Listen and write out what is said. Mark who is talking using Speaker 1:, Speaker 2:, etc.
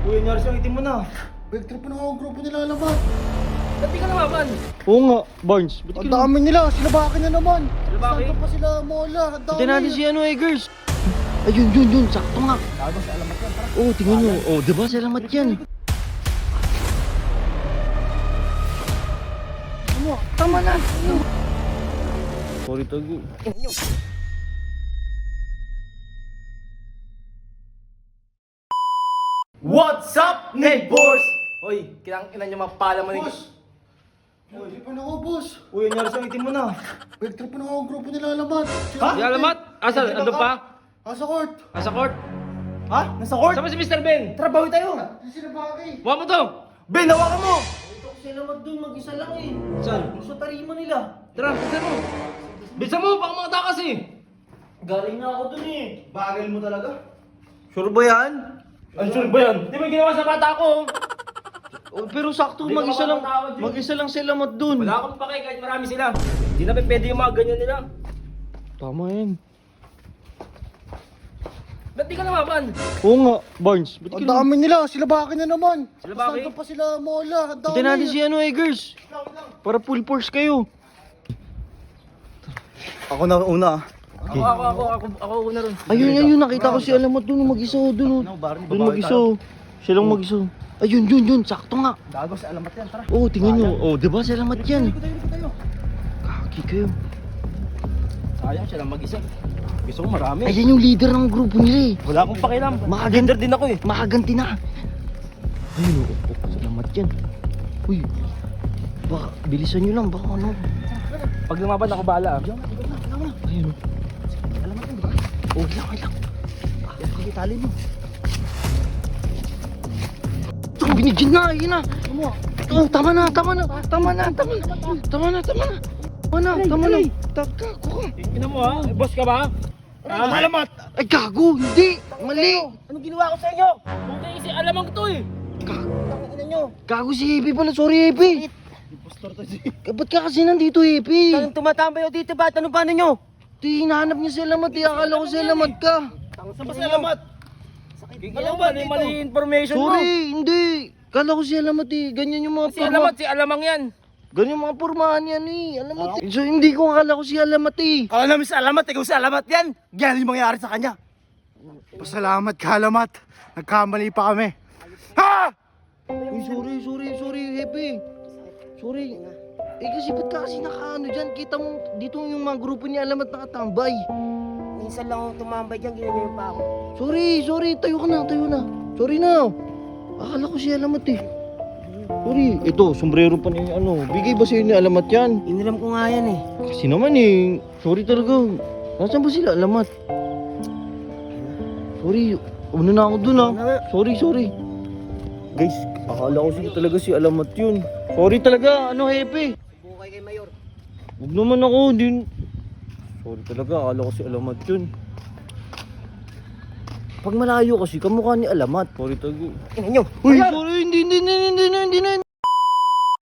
Speaker 1: Uy, nangyari sa'yo, itim mo na.
Speaker 2: Backtrip na ako ang grupo nila Alamat.
Speaker 1: Ba't di ka namaman?
Speaker 3: Oo nga, Barnes. Ba't
Speaker 2: Ang dami nila, sila bakit na naman?
Speaker 1: Silabaki?
Speaker 2: Saan pa sila mola? Ang dami.
Speaker 3: Tingnan natin si Eggers. Ayun, yun, sakto nga.
Speaker 2: Gago sa Alamat yan, tara.
Speaker 3: Oo, tingnan nyo. Oo, diba salamat yan.
Speaker 2: Ano? Tama na.
Speaker 3: Sorry, Tago.
Speaker 1: What's up, neighbors? Hoy, kinang-ina nyo mapala mo.
Speaker 2: Boss! Backtrip na ako, boss.
Speaker 1: Uy, nangyari sa'yo, itim mo na.
Speaker 2: Backtrip na ako ang grupo nila Alamat.
Speaker 1: Ha?
Speaker 3: Si Alamat? Asa? Andun pa?
Speaker 2: Sa court.
Speaker 3: Asa court?
Speaker 1: Ha? Nasa court?
Speaker 3: Saan ba si Mr. Ben?
Speaker 1: Tara, bawi tayo.
Speaker 2: Sila bakit?
Speaker 3: Huwag mo to!
Speaker 1: Ben, hawakan mo.
Speaker 4: Ito kasi naman dun, mag-isa lang eh.
Speaker 3: Saan?
Speaker 4: Sa tarima nila.
Speaker 3: Tara, bilisan mo! Bilisan mo! Baka mga takas eh!
Speaker 4: Galing na ako dun eh.
Speaker 1: Bagal mo talaga. Sure ba yan?
Speaker 3: Ano sure ba yan? Di mo ginawa sa bata ko!
Speaker 1: Oh, pero sakto,
Speaker 3: Hindi
Speaker 1: mag-isa
Speaker 3: ka
Speaker 1: lang.
Speaker 3: makakatawad yun.
Speaker 1: Mag-isa lang sila mat dun.
Speaker 3: Wala akong pake kahit marami sila. Hindi na pwede yung mga ganyan nila.
Speaker 1: Tama yan.
Speaker 3: Ba't di ka namaman?
Speaker 1: Oo nga, Barnes. Ba't
Speaker 2: Ang dami nila, sila bakit na naman?
Speaker 3: Sila bakit?
Speaker 2: Saan pa sila mola? Ang dami.
Speaker 1: Tingnan natin si Eggers. Para full force kayo. Ako na una.
Speaker 3: Ako una ron.
Speaker 1: Ayun, nakita ko si Alamat dun, mag-isa dun. Dun mag-isa. Silang mag-isa. Ayun, sakto nga.
Speaker 2: Gago sa Alamat yan, tara.
Speaker 1: Oo, tingnan nyo. Oo, diba salamat yan.
Speaker 2: Tayo.
Speaker 1: Kaki kayo.
Speaker 3: Sayang siya lang mag-isa. Gusto ko marami.
Speaker 1: Ayan yung leader ng grupo nila eh.
Speaker 3: Wala akong pakialam.
Speaker 1: Makaganti
Speaker 3: din ako eh.
Speaker 1: Makaganti na. Ayun, salamat yan. Uy, baka bilisan nyo lang, baka ano.
Speaker 3: Pag lumaban ako bahala ah.
Speaker 1: Ayun. Alamat yan, diba? Oo, lang. Kaya tali mo. Ito, binigyan na, ayun na. Oo, tama na. Gago ka.
Speaker 3: Tingnan mo ha. Boss ka ba? Alamat!
Speaker 1: Ay, gago, hindi. Mali.
Speaker 4: Anong ginawa ko sa inyo?
Speaker 3: Kung kasi alamang to eh.
Speaker 4: Tangina nyo.
Speaker 1: Gago si Happy pala, sorry Happy. Ba't ka kasi nandito Happy?
Speaker 4: Saan tumatambay o dito ba? Ano ba nyo?
Speaker 1: Di, hinahanap niya si Alamat, akala ko si Alamat ka.
Speaker 3: Saan ba si Alamat? Alam ba? May mali information mo.
Speaker 1: Sorry, hindi. Kala ko si Alamat ganyan yung mga
Speaker 3: Si Alamat, si Alamang yan.
Speaker 1: Ganyan yung mga pormahan yan Alamat So hindi ko akala ko si Alamat
Speaker 2: Kala namin sa Alamat, ikaw sa Alamat yan. Yan yung mangyayari sa kanya. Pasalamat ka Alamat. Nagkamali pa kami. Ha!
Speaker 1: Uy, sorry, Happy. Sorry. Kasi ba't ka kasi nakaano dyan? Kita mo dito yung mga grupo ni Alamat nakatambay.
Speaker 4: Minsan lang ako tumambay dyan, ginanyan pa ako.
Speaker 1: Sorry, tayo na. Sorry na. Akala ko si Alamat Sorry, ito, sombrero pa ni bigay ba sa'yo ni Alamat yan?
Speaker 4: Iniram ko nga yan eh.
Speaker 1: Kasi naman sorry talaga. Nasaan ba sila Alamat? Sorry, una na ako dun Sorry. Guys, akala ko talaga si Alamat yun. Sorry talaga, Happy?
Speaker 4: Bukay kay Mayor.
Speaker 1: Huwag naman ako, din. Sorry talaga, akala ko si Alamat yun. Pag malayo kasi, kamukha ni Alamat. Sorry talaga.
Speaker 4: Tingnan nyo.
Speaker 1: Uy, sorry, hindi na.